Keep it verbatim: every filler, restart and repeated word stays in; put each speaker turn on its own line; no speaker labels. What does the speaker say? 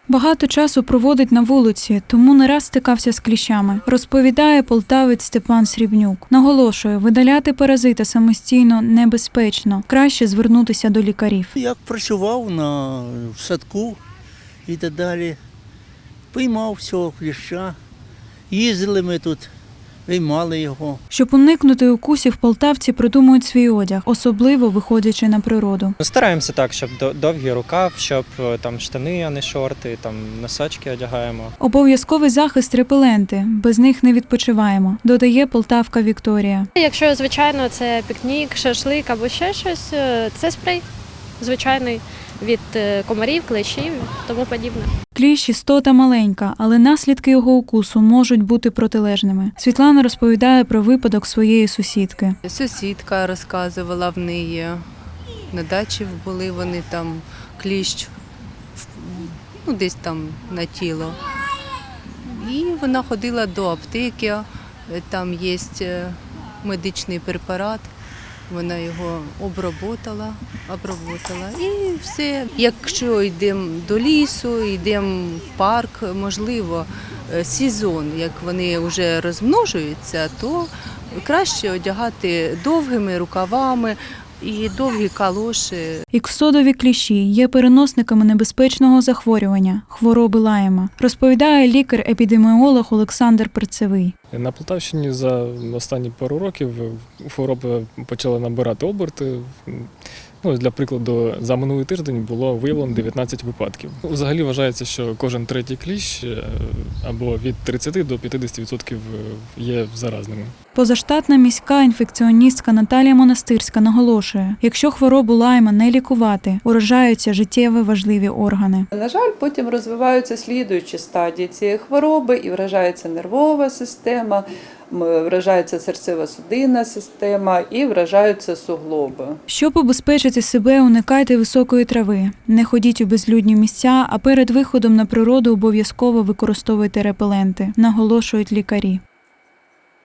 Багато часу проводить на вулиці, тому не раз стикався з кліщами, розповідає полтавець Степан Срібнюк. Наголошує, видаляти паразита самостійно небезпечно, краще звернутися до лікарів.
Як працював на в садку і так далі, піймав всього кліща, їздили ми тут, виймали його.
Щоб уникнути укусів, полтавці придумують свій одяг, особливо виходячи на природу.
Стараємося так, щоб довгий рукав, щоб там штани, а не шорти, там носочки одягаємо.
Обов'язковий захист – репеленти, без них не відпочиваємо, додає полтавка Вікторія.
Якщо, звичайно, це пікнік, шашлик або ще щось, це спрей звичайний від комарів, клещів, тому подібне.
Кліщ – істота маленька, але наслідки його укусу можуть бути протилежними. Світлана розповідає про випадок своєї сусідки.
Сусідка розказувала, в неї на дачі були вони там, кліщ, ну десь там на тіло. І вона ходила до аптеки, там є медичний препарат. Вона його оброботала, оброботала і все. Якщо йдемо до лісу, йдемо в парк, можливо, сезон, як вони вже розмножуються, то краще одягати довгими рукавами і довгі калоші.
Іксодові кліщі є переносниками небезпечного захворювання – хвороби Лайма, розповідає лікар-епідеміолог Олександр Перцевий.
На Полтавщині за останні пару років хвороби почали набирати оберти. Ну, для прикладу, за минулий тиждень було виявлено дев'ятнадцять випадків. Взагалі вважається, що кожен третій кліщ або від тридцяти до п'ятдесяти відсотків є заразними.
Позаштатна міська інфекціоністка Наталія Монастирська наголошує, якщо хворобу Лайма не лікувати, уражаються життєво важливі органи.
На жаль, потім розвиваються слідуючі стадії цієї хвороби і вражається нервова система, вражається серцево-судинна система і вражаються суглоби.
Щоб убезпечити себе, уникайте високої трави. Не ходіть у безлюдні місця, а перед виходом на природу обов'язково використовуйте репеленти, наголошують лікарі.